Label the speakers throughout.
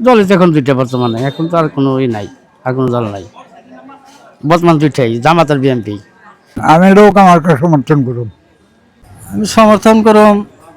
Speaker 1: দলই তো এখন দুইটা বর্তমানে, এখন তো আর কোনো নাই, আর কোনো দল নাই, বর্তমান দুইটাই, জামাত আর বিএনপি।
Speaker 2: আমি লোক আমাকে সমর্থন করুন।
Speaker 3: আমি সমর্থন করম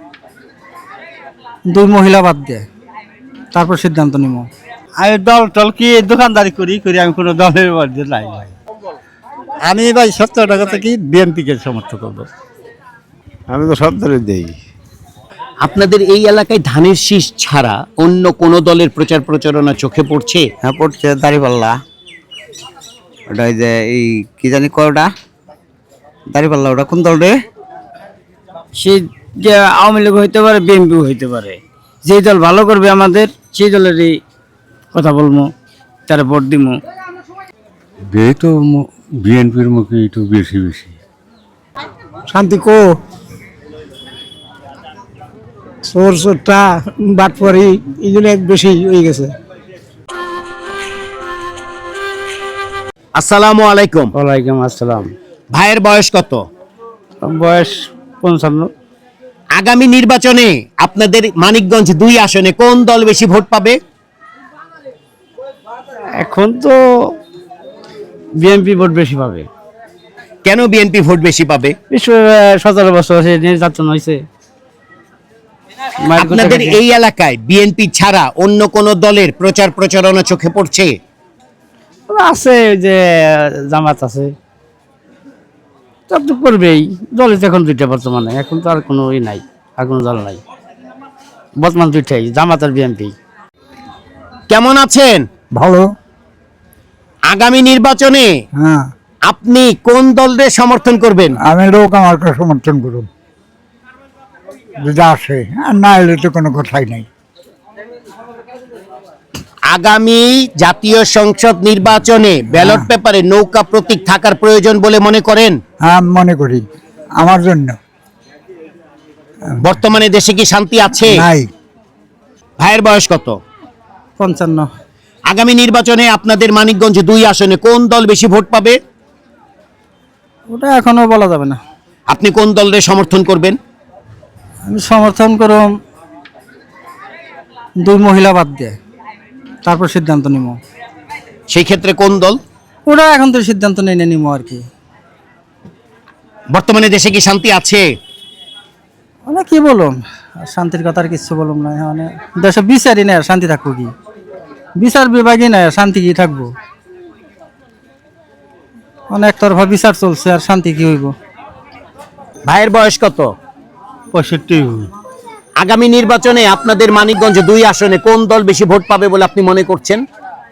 Speaker 3: দুই মহিলা বাদ দিয়ে, তারপর সিদ্ধান্ত নিব।
Speaker 1: আমি দল টল কি দোকানদারি করি আমি কোনো দলের মধ্যে নাই ভাই। আমি ভাই 70 টাকা থেকে বিএনপিকে সমর্থন করবো।
Speaker 4: আমি তো সব দলে দেই।
Speaker 5: আপনাদের এই এলাকায় ধানের শীষ ছাড়া অন্য কোন দলের প্রচার প্রচারণা চোখে পড়ছে?
Speaker 4: হ্যাঁ পড়ছে দাড়িপাল্লা, ওটা ওই যে এই কি জানি কয়টা দাড়িপাল্লা, ওটা কোন দল রে?
Speaker 1: সে যে আওয়ামী লীগ হইতে পারে, বিএনপি হইতে পারে, যেই দল ভালো করবে আমাদের সেই দলেরই কথা বলবো, তারা ভোট দিব।
Speaker 6: তো বিএনপির মুখে একটু বেশি বেশি।
Speaker 2: শান্তি কো চোর চোরটা বাটপারি এগুলো বেশি হয়ে গেছে।
Speaker 5: আসসালামু আলাইকুম।
Speaker 1: ওয়ালাইকুম আসসালাম।
Speaker 5: ভাইয়ের বয়স কত?
Speaker 1: বয়স 55।
Speaker 5: আগামী নির্বাচনে আপনাদের মানিকগঞ্জ 2 আসনে কোন দল বেশি ভোট পাবে?
Speaker 1: এখন তো বিএনপি ভোট বেশি পাবে।
Speaker 5: কেন বিএনপি ভোট বেশি পাবে?
Speaker 1: 17 বছর হয়েছে নির্বাচন হয়েছে।
Speaker 5: আপনাদের এই এলাকায় বিএনপি ছাড়া অন্য কোন দলের প্রচার প্রচারণা চোখে পড়ছে?
Speaker 1: আছে, ওই যে জামাত আছে, সব তো করবেই। দলই তো এখন দুইটা বর্তমানে, এখন তো আর কোনো নাই, আর কোনো দল নাই, বর্তমান দুইটাই, জামাত আর বিএনপি।
Speaker 5: কেমন আছেন?
Speaker 2: ভালো।
Speaker 5: আগামী নির্বাচনে
Speaker 2: হ্যাঁ,
Speaker 5: আপনি কোন দলের সমর্থন করবেন?
Speaker 2: আমি লোক আমাকে সমর্থন করুন যদি আসে, আর না এলে তো কোনো কথাই নাই।
Speaker 5: আগামী জাতীয় সংসদ নির্বাচনে ব্যালট পেপারে নৌকা প্রতীক থাকার প্রয়োজন বলে মনে করেন?
Speaker 2: হ্যাঁ, মনে করি আমার জন্য।
Speaker 5: বর্তমানে দেশে কি শান্তি আছে?
Speaker 2: নাই।
Speaker 5: ভাইয়ের বয়স কত?
Speaker 3: 55।
Speaker 5: আগামী নির্বাচনে আপনাদের মানিকগঞ্জ 2 আসনে কোন দল বেশি ভোট পাবে?
Speaker 3: ওটা এখনো বলা যাবে না।
Speaker 5: আপনি কোন দলের সমর্থন করবেন?
Speaker 3: আমি সমর্থন করম দুই মহিলা বাদ দিয়ে, তারপর সিদ্ধান্ত নিব।
Speaker 5: সেই ক্ষেত্রে কোন দল?
Speaker 3: ওটা এখন তো সিদ্ধান্ত নিয়ে নিব আর কি।
Speaker 5: বর্তমানে দেশে কি শান্তি আছে?
Speaker 3: মানে কি বলুন, শান্তির কথা আর কিছু বলুন না। মানে দেশে বিচারই না, শান্তি থাকবো কি? বিচার বিভাগই না, শান্তি কি থাকবো? অনেক তরফা বিচার চলছে, আর শান্তি কি হইব?
Speaker 5: ভাইয়ের বয়স কত?
Speaker 1: 65।
Speaker 5: আগামী নির্বাচনে আপনাদের মানিকগঞ্জ 2 আসনে কোন দল বেশি ভোট পাবে বলে আপনি মনে করছেন?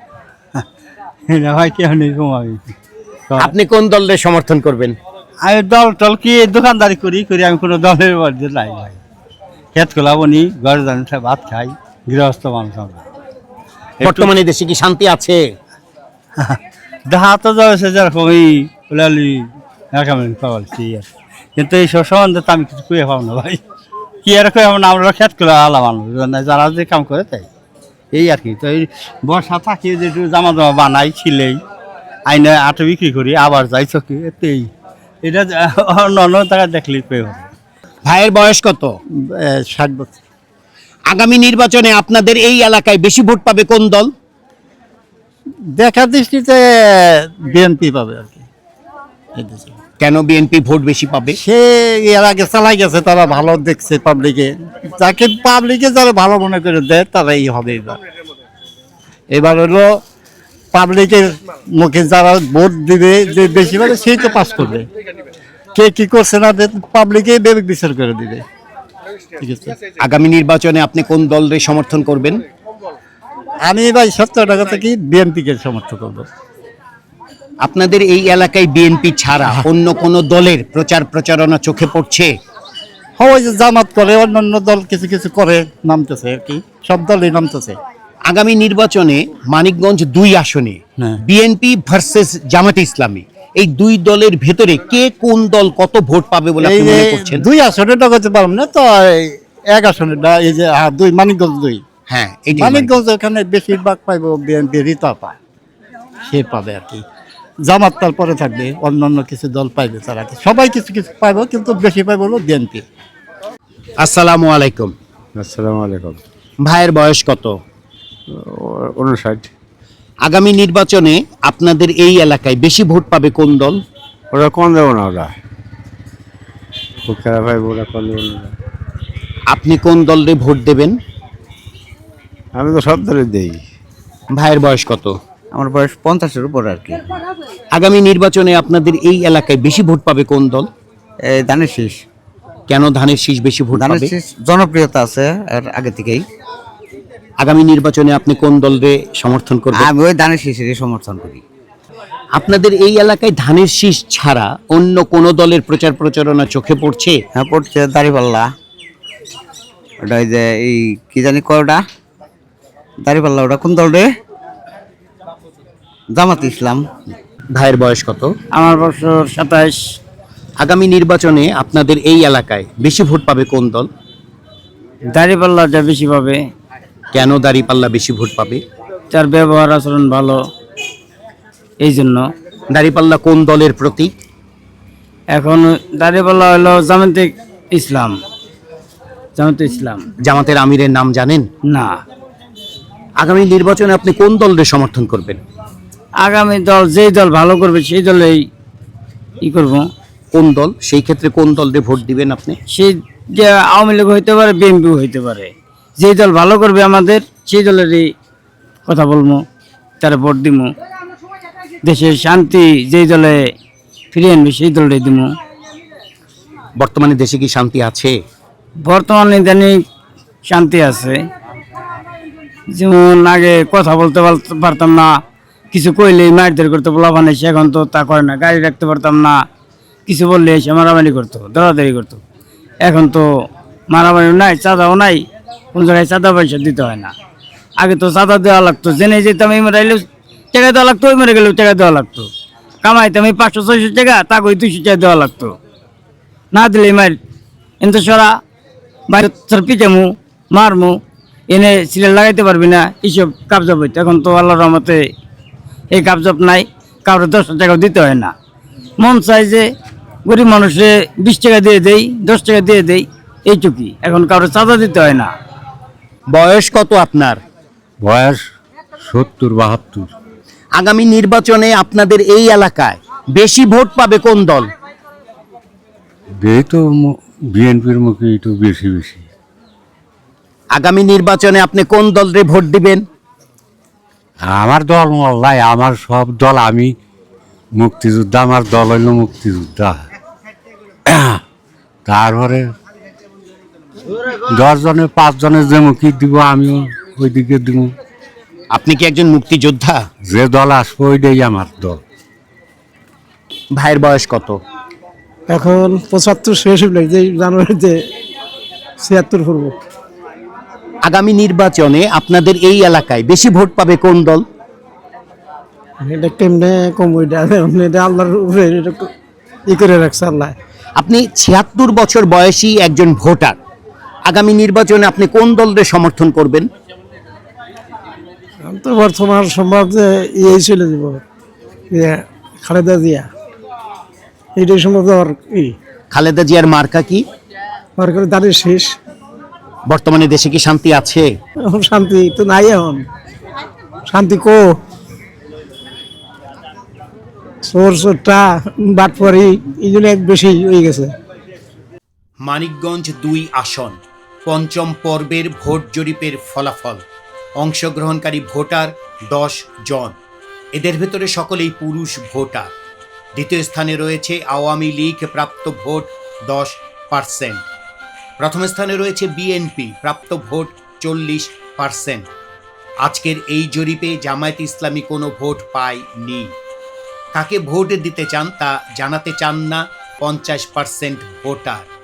Speaker 1: ভাই কি আমি
Speaker 5: আপনি কোন দলের সমর্থন করবেন?
Speaker 1: আমি দল টল কি দোকানদারি করি আমি কোনো দলের মধ্যে নাই ভাই। খেত খোলাবনি, ঘরে জানি ভাত খাই, গৃহস্থ মানুষ আমরা।
Speaker 5: বর্তমানে দেশে কি শান্তি আছে?
Speaker 1: দেখা তো যাচ্ছে যেরকম এই ওলালি পাওয়ালছি, কিন্তু এই সব সম্বন্ধে তো আমি কিছু কুয়ে পাবো না ভাই। কি আর কই আমরা খেত খোলা আলা মানুষ, যারা যে কাম করে তাই এই আর কি। তো এই বর্ষা থাকি যে একটু জামা বানাই, ছিলেই আইনে আটো বিক্রি করি, আবার যাই চকি এতেই। এটা অন্য জায়গায় দেখলেই পেয়ে হবে।
Speaker 5: ভাইয়ের বয়স কত?
Speaker 1: 60 বছর।
Speaker 5: আগামী নির্বাচনে আপনাদের এই এলাকায় বেশি ভোট পাবে কোন দল?
Speaker 1: দেখার দৃষ্টিতে বিএনপি পাবে আর কি।
Speaker 5: কেন বিএনপি ভোট বেশি পাবে?
Speaker 1: সে এর আগে চালাই গেছে, তারা ভালো দেখছে পাবলিকে, যাকে পাবলিকে যারা ভালো মনে করে দেয় তারাই হবে এবার। এবার হলো পাবলিকের মুখে যারা ভোট দিবে, যে বেশি পাবে সেই তো পাস করবে। কে কি করছে না পাবলিকে বিবেক বিচার করে দিবে। ঠিক আছে,
Speaker 5: আগামী নির্বাচনে আপনি কোন দলের সমর্থন করবেন?
Speaker 1: আমি ভাই 70 টাকা থেকে বিএনপিকে সমর্থন করবো।
Speaker 5: আপনাদের এই এলাকায় বিএনপি ছাড়া অন্য কোন দলের প্রচার প্রচারণা চোখে পড়ছে?
Speaker 1: ওই যে জামাত করে, অন্যান্য দল কিছু কিছু করে, নামতেছে আর কি, সব দলই নামতেছে।
Speaker 5: আগামী নির্বাচনে মানিকগঞ্জ 2 আসনে
Speaker 1: হ্যাঁ।
Speaker 5: বিএনপি ভার্সেস জামাতে ইসলামী, এই 2 দলের ভেতরে কে কোন দল কত ভোট পাবে বলে আপনি মনে করছেন?
Speaker 1: 2 আসনেটা করতে পারবো না তো, 1 আসনেটা এই যে 2 মানিকগঞ্জ 2।
Speaker 5: হ্যাঁ, এটাই
Speaker 1: মানিকগঞ্জ ওখানে বেশিরভাগ পাইবো বিএনপি, রিতা পায়, সে পাবে আর কি। জামাত তারপরে থাকবে, অন্যান্য কিছু দল পাইবে, তারা সবাই কিছু কিছু পাইবো, কিন্তু বেশি পাইবো হলো বিএনপি।
Speaker 5: আসসালামু আলাইকুম।
Speaker 6: আসসালামু আলাইকুম।
Speaker 5: ভাইয়ের বয়স কত?
Speaker 6: 59।
Speaker 5: আগামী নির্বাচনে আপনাদের এই এলাকায় বেশি ভোট পাবে কোন দল?
Speaker 6: ওরা কোন দেবো না, ওরা খুব খারাপ হয়, ওরা কোন দেবো না।
Speaker 5: আপনি কোন দলে ভোট দেবেন?
Speaker 6: আমি তো সব দলে দেই।
Speaker 5: ভাইয়ের বয়স কত?
Speaker 4: আমার বয়স 50-এর উপর আর কি।
Speaker 5: আগামী নির্বাচনে আপনাদের এই এলাকায় বেশি ভোট পাবে কোন দল?
Speaker 4: এই ধানের শীষ।
Speaker 5: কেন ধানের শীষ বেশি ভোট
Speaker 4: ধানের
Speaker 5: পাবে?
Speaker 4: শীষ জনপ্রিয়তা আছে এর আগে থেকেই।
Speaker 5: আগামী নির্বাচনে আপনি কোন দলকে সমর্থন করবেন?
Speaker 4: আমি ওই ধানের শীষেরই সমর্থন করি।
Speaker 5: আপনাদের এই এলাকায় ধানের শীষ ছাড়া অন্য কোন দলের প্রচার প্রচারণা চোখে পড়ছে?
Speaker 4: হ্যাঁ, পড়ছে দাড়িপাল্লা। ওটা ওই যে এই কি জানি কয় ওটা দাড়িপাল্লা, ওটা কোন দল রে? জামাত ইসলাম।
Speaker 5: ভাইয়ের বয়স কত?
Speaker 3: আমার বছর 27।
Speaker 5: আগামী নির্বাচনে আপনাদের এই এলাকায় বেশি ভোট পাবে কোন দল?
Speaker 3: দাঁড়িপাল্লাটা বেশি পাবে,
Speaker 5: কেন দাঁড়িপাল্লা বেশি ভোট পাবে?
Speaker 3: তার ব্যবহার আচরণ ভালো, এই জন্য।
Speaker 5: দাঁড়িপাল্লা কোন দলের প্রতীক?
Speaker 3: এখন দাঁড়িপাল্লা হলো জামাতে ইসলাম। জামাতে ইসলাম
Speaker 5: জামাতের আমিরের নাম জানেন?
Speaker 3: না।
Speaker 5: আগামী নির্বাচনে আপনি কোন দলের সমর্থন করবেন?
Speaker 3: আগামী দল যেই দল ভালো করবে সেই দলেই ই করব।
Speaker 5: কোন দল? সেই ক্ষেত্রে কোন দলের ভোট দিবেন আপনি?
Speaker 3: সেই যে আওয়ামী লীগ হইতে পারে, বিএনপি হইতে পারে, যেই দল ভালো করবে আমাদের সেই দলেরই কথা বলবো, তারা ভোট দিব। দেশের শান্তি যেই দলে ফিরিয়ে আনবে সেই দলটাই দিব।
Speaker 5: বর্তমানে দেশে কি শান্তি আছে?
Speaker 3: বর্তমানে ইদানিং শান্তি আছে। যেমন আগে কথা বলতে পারতাম না, কিছু কইলেই মারধর করতে বলা বানাইছে, এখন তো তা করে না। গাড়ি রাখতে পারতাম না, কিছু বললে এসে মারামারি করতো, দৌড়াদৌড়ি করতো। এখন তো মারামারি নাই, চাঁদাও নাই, কোন জায়গায় চাঁদা পয়সা দিতে হয় না। আগে তো চাঁদা দেওয়া লাগতো, জেনে যেতাম এই মারাইলেও টাকা দেওয়া লাগতো, ওই মেরে গেলেও টাকা দেওয়া লাগতো। কামাইতাম এই 500-600 টাকা, তাকে ওই 200 টাকা দেওয়া লাগতো। না দিলে মার এনতো সরা বাইরে পিটামু মারমু, এনে সিলেট লাগাইতে পারবি না, এইসব কাবজাব হইতো। এখন তো আল্লাহর রহমতে এই কাবজাব নাই, কারোর 10 টাকাও দিতে হয় না। মন চাই যে গরিব মানুষে 20 টাকা দিয়ে দেই, 10 টাকা দিয়ে দেই, এইটুকুই। এখন কারোর চাঁদা দিতে হয় না।
Speaker 5: বয়স কত আপনার?
Speaker 6: বয়স 70-72।
Speaker 5: আগামী নির্বাচনে আপনাদের এই এলাকায় বেশি ভোট পাবে কোন দল?
Speaker 6: এই তো বিএনপির মুখে একটু বেশি বেশি।
Speaker 5: আগামী নির্বাচনে আপনি কোন দলরে ভোট দিবেন?
Speaker 6: আমার দল মোল্লাই, আমার সব দল, আমি মুক্তিযোদ্ধা, আমার দল হইল মুক্তিযোদ্ধা। তারপরে 10 জনে 5 জনের যে মুখী দিব আমিও ওই দিকে দিব।
Speaker 5: আপনি কি একজন মুক্তিযোদ্ধা?
Speaker 6: যে দল আসবো ওইটাই আমার দল।
Speaker 5: ভাইয়ের বয়স কত?
Speaker 7: এখন 75 শেষ হইল, যে জানুয়ারিতে 76 করব।
Speaker 5: আগামী নির্বাচনে আপনাদের এই এলাকায় বেশি ভোট পাবে কোন দল?
Speaker 7: এটা কেমনে কম, ওইটা এটা আল্লাহর উপরে এটা ই করে রাখছে আল্লাহ।
Speaker 5: আপনি 76 বছর বয়সী একজন ভোটার, আগামী নির্বাচনে আপনি কোন দলের সমর্থন করবেন?
Speaker 7: আমি তো বর্তমান সমাজে ইয়ে চলে যাব, খালেদা জিয়া, এইটাই সম্ভব। আর কি
Speaker 5: খালেদা জিয়ার মার্কা কি?
Speaker 7: আমার করে দাঁড়িয়ে শেষ।
Speaker 5: বর্তমানে দেশে কি শান্তি আছে?
Speaker 7: এখন শান্তি তো নাই, এখন শান্তি কো চোরটা বাটপারি এই জন্য বেশি হয়ে গেছে।
Speaker 5: মানিকগঞ্জ 2 আসন, পঞ্চম পর্বের ভোট জরিপের ফলাফল। অংশগ্রহণকারী ভোটার 10 জন, এদের ভেতরে সকলেই পুরুষ ভোটার। দ্বিতীয় স্থানে রয়েছে আওয়ামী লীগ, প্রাপ্ত ভোট 10%। প্রথম স্থানে রয়েছে বিএনপি, প্রাপ্ত ভোট 40%। আজকের এই জরিপে জামায়াত ইসলামী কোনো ভোট পায়নি। কাকে ভোট দিতে চান তা জানাতে চান না 50% ভোটার।